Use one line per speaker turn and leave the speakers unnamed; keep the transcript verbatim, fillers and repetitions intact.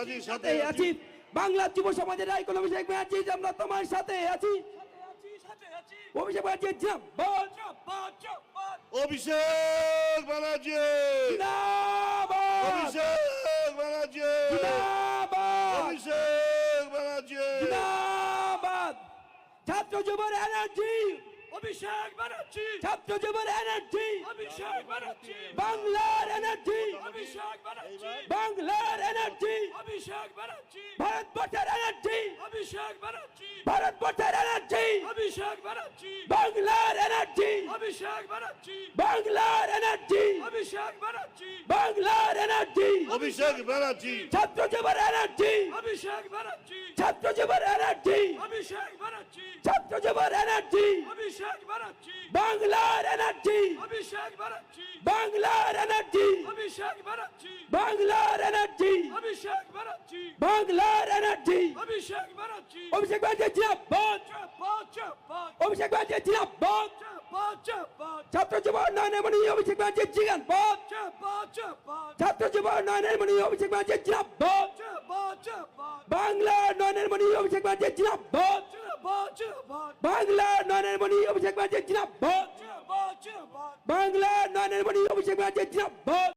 ব্যানার্জির সাথে
আছি। বাংলার যুব সমাজের আইকন অভিষেক ব্যানার্জি, আমরা তোমার সাথে আছি। অভিষেক ব্যানার্জি জিন্দাবাদ।
অভিষেক ব্যানার্জি
জিন্দাবাদ।
অভিষেক ব্যানার্জি
জিন্দাবাদ।
অভিষেক ব্যানার্জি
জিন্দাবাদ। ছাত্র যুবর এনার্জি,
অভিষেক ব্যানার্জি,
ছাত্র যুবর এনার্জি,
অভিষেক ব্যানার্জি,
বাংলার এনার্জি,
অভিষেক ব্যানার্জি,
বাংলার এনার্জি,
অভিষেক ব্যানার্জি,
ভারতবর্ষের এনার্জি,
অভিষেক ব্যানার্জি,
ভারতবর্ষের এনার্জি,
অভিষেক ব্যানার্জি,
বাংলার এনার্জি,
অভিষেক ব্যানার্জি,
বাংলার এনার্জি,
অভিষেক ব্যানার্জি,
বাংলার এনার্জি,
অভিষেক ব্যানার্জি
ছাত্র যুবর এনার্জি,
অভিষেক ব্যানার্জি,
ছাত্র যুবর এনার্জি,
অভিষেক ব্যানার্জি,
ছাত্র যুবর এনার্জি,
অভিষেক ব্যানার্জি,
বাংলার এনার্জি,
অভিষেক ব্যানার্জি,
বাংলার এনার্জি,
অভিষেক ব্যানার্জি,
বাংলার এনার্জি,
অভিষেক ব্যানার্জি,
বাংলার এনার্জি,
অভিষেক ব্যানার্জি,
অভিষেক ব্যানার্জি জিন্দাবাদ।
চাপাত চাপাত
অভিষেক ব্যানার্জি জিন্দাবাদ।
চাপাত চাপাত
ছাত্র যুব উন্নয়নের মণি অভিষেক ব্যানার্জি জিন্দাবাদ।
চাপাত চাপাত
ছাত্র যুব উন্নয়নের মণি অভিষেক ব্যানার্জি জিন্দাবাদ।
চাপাত চাপাত
বাংলা উন্নয়নের মণি অভিষেক ব্যানার্জি জিন্দাবাদ।
চাপাত চাপাত
বাংলা উন্নয়নের মণি অভিষেক ব্যানার্জি জিন্দাবাদ।
চাপাত চাপাত
বাংলা উন্নয়নের মণি অভিষেক ব্যানার্জি জিন্দাবাদ।